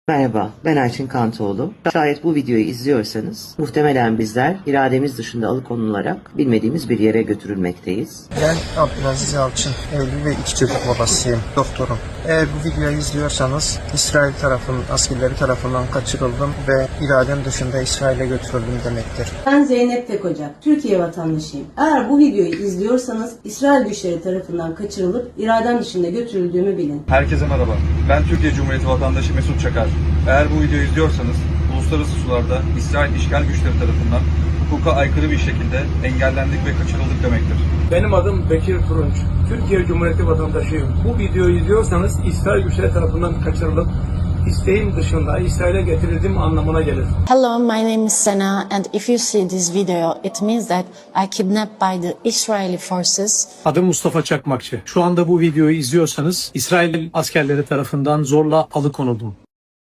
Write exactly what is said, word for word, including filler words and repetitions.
Merhaba, ben Ayçin Kantoğlu. Şayet bu videoyu izliyorsanız, muhtemelen bizler irademiz dışında alıkonularak bilmediğimiz bir yere götürülmekteyiz. Ben Abdülaziz Yalçın, evli ve iki çocuk babasıyım, doktorum. Eğer bu videoyu izliyorsanız, İsrail tarafının, askerleri tarafından kaçırıldım ve iradem dışında İsrail'e götürüldüm demektir. Ben Zeynep Tekocak, Türkiye vatandaşıyım. Eğer bu videoyu izliyorsanız, İsrail güçleri tarafından kaçırılıp iradem dışında götürüldüğümü bilin. Herkese merhaba. Ben Türkiye Cumhuriyeti vatandaşı Mesut Çakar. Eğer bu videoyu izliyorsanız, uluslararası sularda İsrail işgal güçleri tarafından hukuka aykırı bir şekilde engellendik ve kaçırıldık demektir. Benim adım Bekir Turunç. Türkiye Cumhuriyeti vatandaşıyım. Bu videoyu izliyorsanız İsrail güçleri tarafından kaçırılıp isteğim dışında İsrail'e getirildiğim anlamına gelir. Hello, my name is Sana, and if you see this video, it means that I kidnapped by the Israeli forces. Adım Mustafa Çakmakçı. Şu anda bu videoyu izliyorsanız İsrail askerleri tarafından zorla alıkonuldum.